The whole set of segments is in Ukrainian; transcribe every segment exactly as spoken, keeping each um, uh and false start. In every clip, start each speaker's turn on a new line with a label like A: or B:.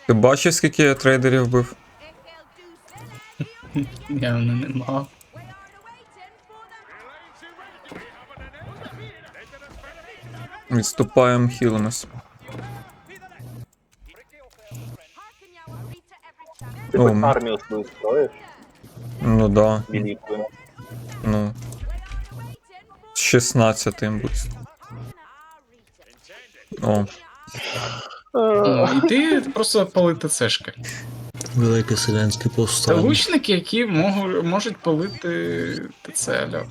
A: Ти бачив, скільки я трейдерів бив?
B: Явно нема.
A: Відступаємо, хілимось.
C: Ты
A: О,
C: хоть
A: м.
C: армию свою строишь,
A: Ну да.
C: великую.
A: Ну. З шістнадцятим будь. О,
B: Ну, і ти просто палити цешки.
D: Велике селянське
B: Це
D: повстання.
B: лучники, які можуть, можуть палити ТЦ, алло.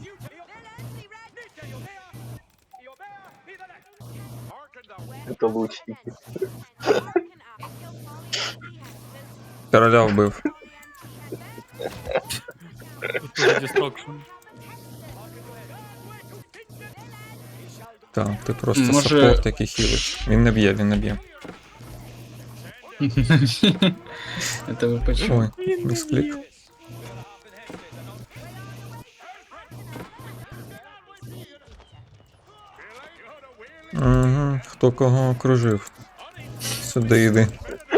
C: Это лучники.
A: короля вбив.
E: Destruction.
A: Так, ти просто
B: Може-
A: саппорт, який хілить. Він не б'є, він не б'є.
B: Це ви почули.
A: Ой, місклік. Угу, хто кого окружив. Сюди йди.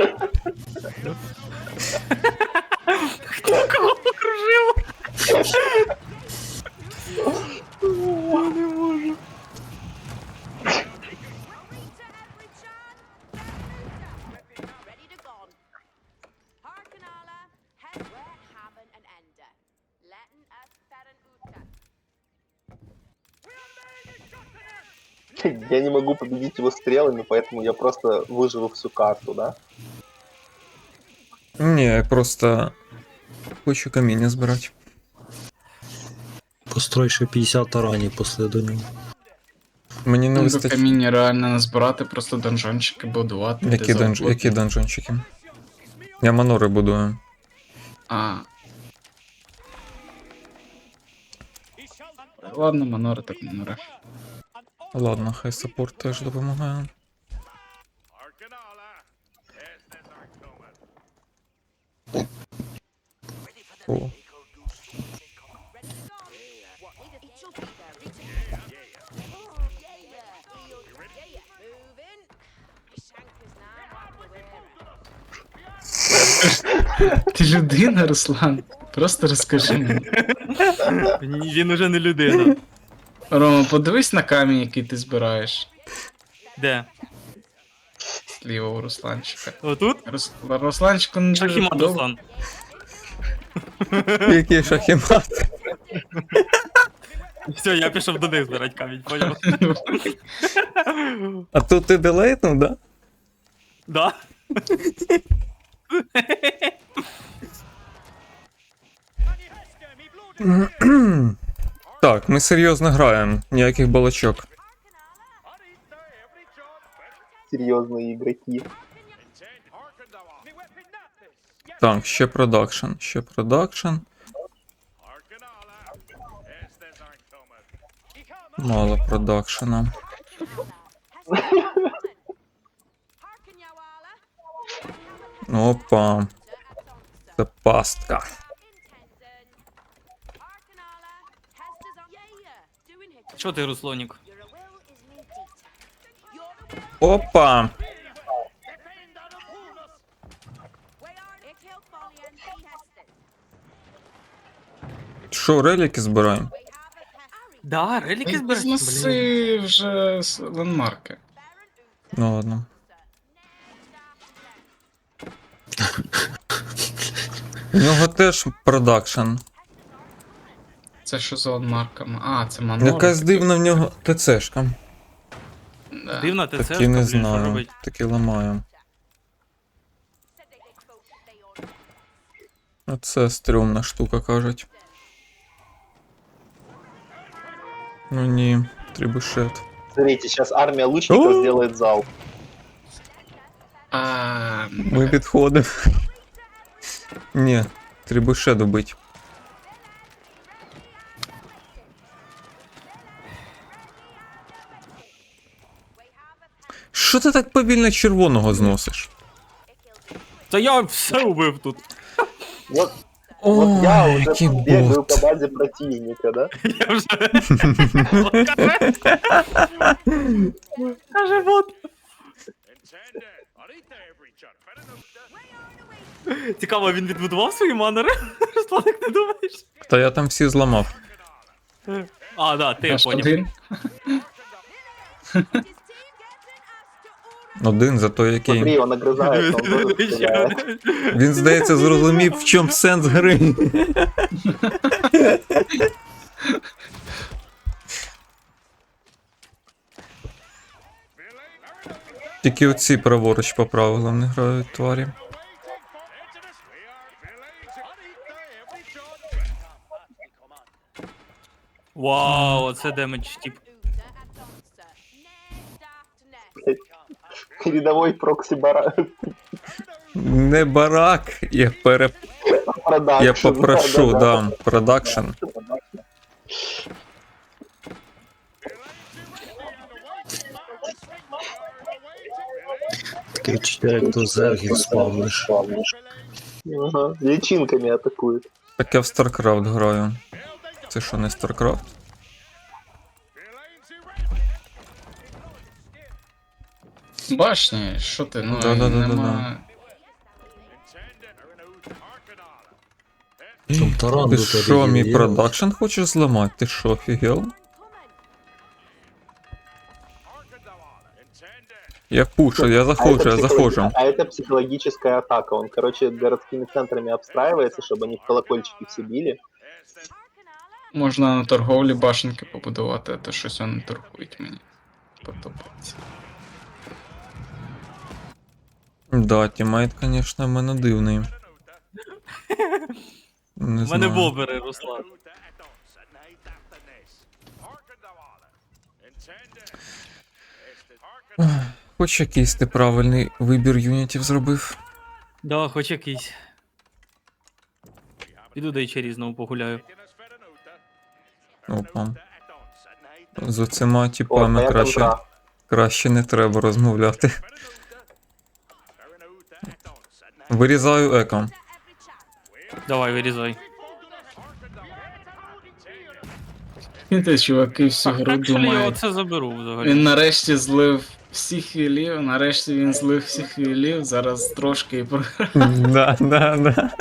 C: Я не могу победить его стрелами, поэтому я просто выживу всю карту, да?
A: Ні, я просто хочу каміння збирати.
D: Построй ще п'ятдесят таранів після до нього.
A: Мені не
B: Ну, до
A: вистачить.
B: каміння реально назбирати, просто донжончики будувати.
A: Які,
B: де
A: донж...
B: завгодно.
A: Які донжончики? Я манори будую.
B: А. Ладно, манори так манори.
A: Ладно, хай саппорт теж допомагає. О.
B: Ти людина, Руслан? Просто розкажи мені.
E: Ні, він уже не людина.
B: Рома, подивись на камінь, який ти збираєш.
E: Де?
B: Зліва у Русланчика.
E: Отут?
B: Рус... Русланчику не дуже
E: Шахімат,
B: подобається.
E: Руслан.
A: Який шахімат?
E: Все, я пішов до них збирати камінь, поняв?
A: А тут ти делейтнув, да?
E: Да?
A: Так, ми серйозно граємо, ніяких балачок.
C: Серьезные игроки.
A: Так, ще продакшн, ще продакшн. Мало продакшена. Опа. Це пастка.
E: Що ти, Руслонік?
A: Опа. Що, реліки збираємо?
E: Да, реліки збираєш? Блін.
B: Знеси вже с- ландмарки.
A: Ну ладно. У нього теж продакшн.
B: Це що за ландмарками? А, це манори.
A: Якась дивна в нього ТЦшка.
B: Да.
E: Дивно, ти це
A: Такі не
E: блін, що
A: знаю.
E: робить?
A: Такі ламаю. Оце стрьомна штука, кажуть. Ну ні, трибушет.
C: Смотрите, сейчас армия лучников
A: О!
C: сделает зал.
B: А,
A: Ми підходимо. Ні, трибушет добить. Що ти так повільно червоного зносиш?
E: Та я все убив тут.
C: Вот,
A: О,
C: вот я уже
A: який
C: бегаю
A: бот.
C: по базе противника, да?
E: Я вже... Каже бот. Цікаво, він відбудував свої манери? Русланик, не думаєш?
A: Та я там всі зламав.
E: А, да, ти я
B: Наш
E: поняв.
B: один.
A: Один за той,
C: Смотри,
A: який.
C: он огрызается, он тоже стреляет.
A: Він, здається, зрозумів, в чому сенс гри. Тільки оці праворуч по правилам не грають тварі.
E: Вау, оце демедж, тип.
C: Рядовой прокси бара.
A: Не барак, я пере...
C: Продакшн.
A: Я попрошу,
C: Да-да-да.
A: да, продакшн.
D: Таке відчуття, як то зергів спавниш.
C: Ага, личинками атакует.
A: Так я в StarCraft граю. Це що, не StarCraft?
B: Башня, що ти, ну
A: Да-да-да-да-да.
B: нема...
D: Щоб таран
A: Ти
D: до тебе
A: що, мій
D: є.
A: продакшн хочеш зламати? Ти що, офігел? Я пушу, я
C: А
A: заходжу,
C: это
A: я
C: психологи-
A: заходжу.
C: А это психологическая атака. Он, короче, городскими центрами обстраивается, чтобы они в колокольчики все били.
B: Можна на торговлі башенки побудувати, а то щось вони торгують мені. Подобається.
A: Да, тімейт, конечно, в мене дивний. Не
E: У мене
A: знаю.
E: бобери, Руслан.
A: Хоч якийсь ти правильний вибір юнітів зробив.
E: Да, хоч якийсь. Піду до Ічері знову погуляю.
A: Опа. З оцима
C: О,
A: типами
C: моя
A: краще,
C: контра.
A: краще не треба розмовляти. Вирізаю еко.
E: Давай, вирізай.
B: Ти, чуваки, всю
E: Так,
B: гру
E: так що я
B: думають.
E: оце заберу взагалі.
B: Він нарешті злив всіх хілів, нарешті він злив всіх хілів, зараз трошки і програв.
A: Да, да, да.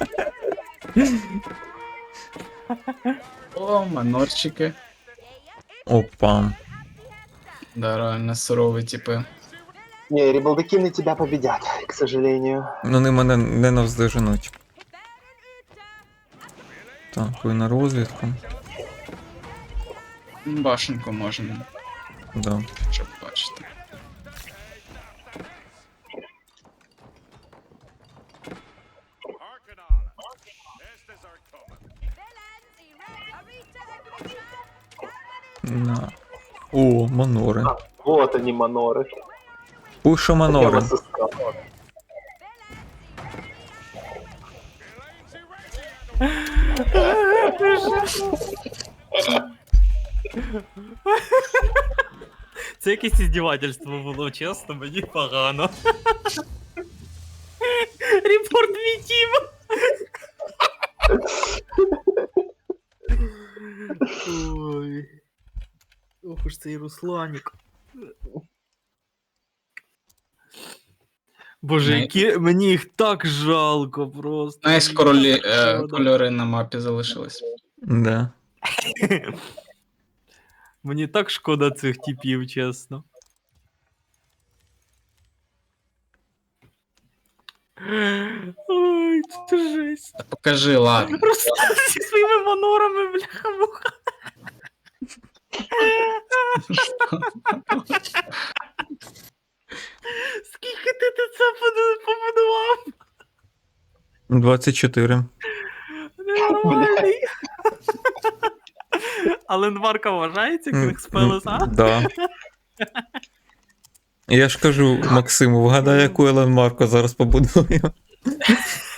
B: О, манорчики.
A: Опа.
B: Да, реально сурові типи.
C: Не, рибалдакины тебя победят, к сожалению.
A: Ну, вони мене не навздоженуть. Так, ви на розвідку.
B: Башенку можна,
A: Да.
B: щоб бачити.
A: На. О, манори.
C: А, вот они, маноры.
A: Пушу
C: Я
A: манори.
C: вас искал.
E: Це якесь іздівательство було, чесно, мені погано. Репорт мій тім. Ой. Ох уж цей Русланік. Боже,
B: Не-
E: які... мені їх так жалко просто.
B: Знаєш,
E: Мені
B: королі,
E: так
B: е,
E: шкода.
B: кольори на мапі залишились.
A: Да.
E: Мені так шкода цих типів, чесно. Ой, це жесть.
B: Та покажи, ладно.
E: Руслан зі своїми манорами, бляха-муха. Скільки ти ти це поду- побудував?
A: двадцять чотири.
E: Нормальний. Але Нварка вважається Кінг Спелес, а?
A: Да. Я ж кажу Максиму, вгадай, яку Елен Марко зараз побудую.